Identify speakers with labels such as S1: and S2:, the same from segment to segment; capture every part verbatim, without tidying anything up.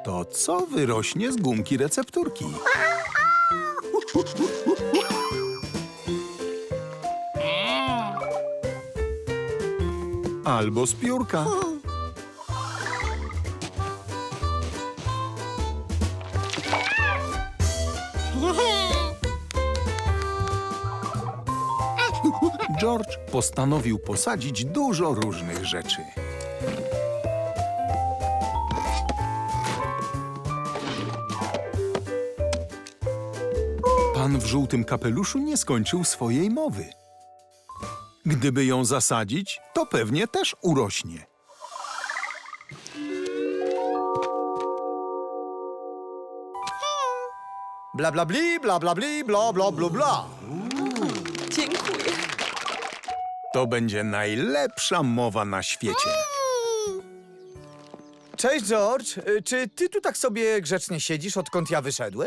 S1: To co wyrośnie z gumki recepturki? Albo z piórka. George postanowił posadzić dużo różnych rzeczy. Pan w żółtym kapeluszu nie skończył swojej mowy. Gdyby ją zasadzić, to pewnie też urośnie.
S2: Bla bla bli, bla bla bli, bla bla bla bla.
S3: Dziękuję.
S1: To będzie najlepsza mowa na świecie.
S2: Cześć, George. Y, Czy ty tu tak sobie grzecznie siedzisz, odkąd ja wyszedłem?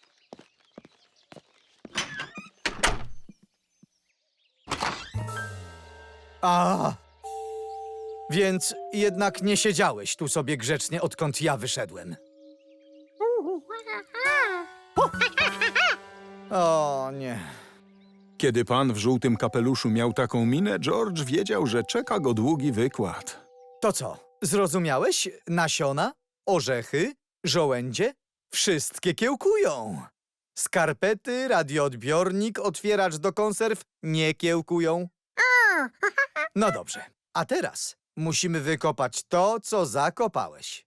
S2: A, więc jednak nie siedziałeś tu sobie grzecznie, odkąd ja wyszedłem. O, nie.
S1: Kiedy pan w żółtym kapeluszu miał taką minę, George wiedział, że czeka go długi wykład.
S2: To co, zrozumiałeś? Nasiona, orzechy, żołędzie, wszystkie kiełkują. Skarpety, radioodbiornik, otwieracz do konserw nie kiełkują. No dobrze, a teraz musimy wykopać to, co zakopałeś.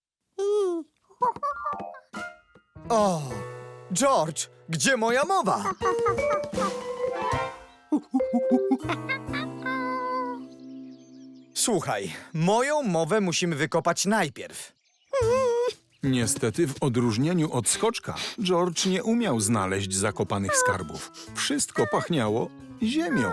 S2: O, George, gdzie moja mowa? Słuchaj, moją mowę musimy wykopać najpierw.
S1: Niestety, w odróżnieniu od skoczka, George nie umiał znaleźć zakopanych skarbów. Wszystko pachniało ziemią.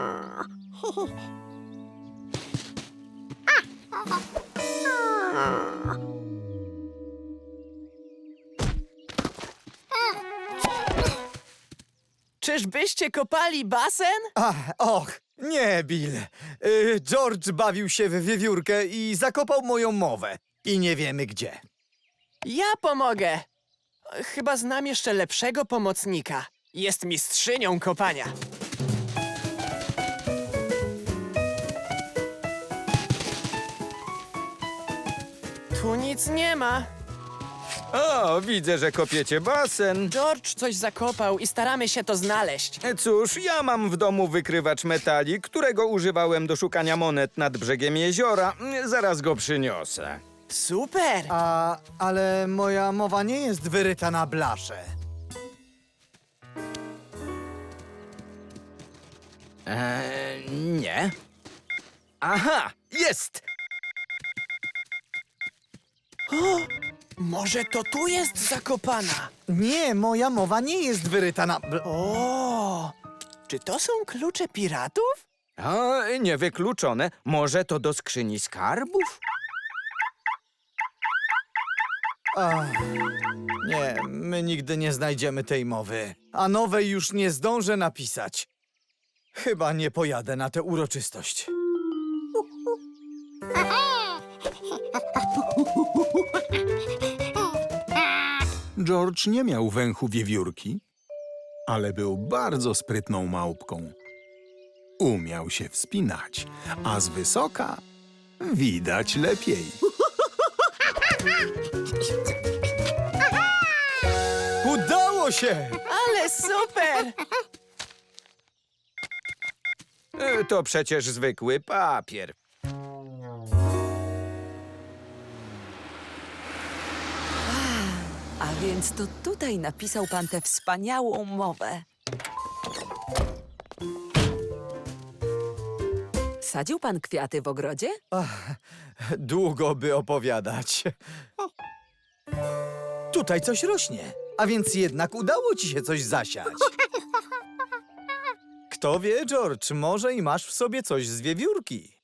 S3: Czyżbyście kopali basen?
S2: Ach, och, nie, Bill. Y, George bawił się w wiewiórkę i zakopał moją mowę. I nie wiemy gdzie.
S3: Ja pomogę. Chyba znam jeszcze lepszego pomocnika. Jest mistrzynią kopania. Tu nic nie ma.
S4: O, widzę, że kopiecie basen.
S3: George coś zakopał i staramy się to znaleźć.
S4: Cóż, ja mam w domu wykrywacz metali, którego używałem do szukania monet nad brzegiem jeziora. Zaraz go przyniosę.
S3: Super!
S2: A, ale moja mowa nie jest wyryta na blasze.
S4: Eee, nie. Aha, jest!
S3: Może to tu jest zakopana?
S2: Nie, moja mowa nie jest wyryta na... bl-
S3: O! Czy to są klucze piratów?
S4: O, niewykluczone. Może to do skrzyni skarbów?
S2: Ach, nie, my nigdy nie znajdziemy tej mowy. A nowej już nie zdążę napisać. Chyba nie pojadę na tę uroczystość.
S1: George nie miał węchu wiewiórki, ale był bardzo sprytną małpką. Umiał się wspinać, a z wysoka widać lepiej.
S2: Udało się!
S3: Ale super!
S4: E, To przecież zwykły papier.
S5: A więc to tutaj napisał pan tę wspaniałą mowę. Sadził pan kwiaty w ogrodzie?
S2: Ach, długo by opowiadać. Tutaj coś rośnie, a więc jednak udało ci się coś zasiać. Kto wie, George, może i masz w sobie coś z wiewiórki.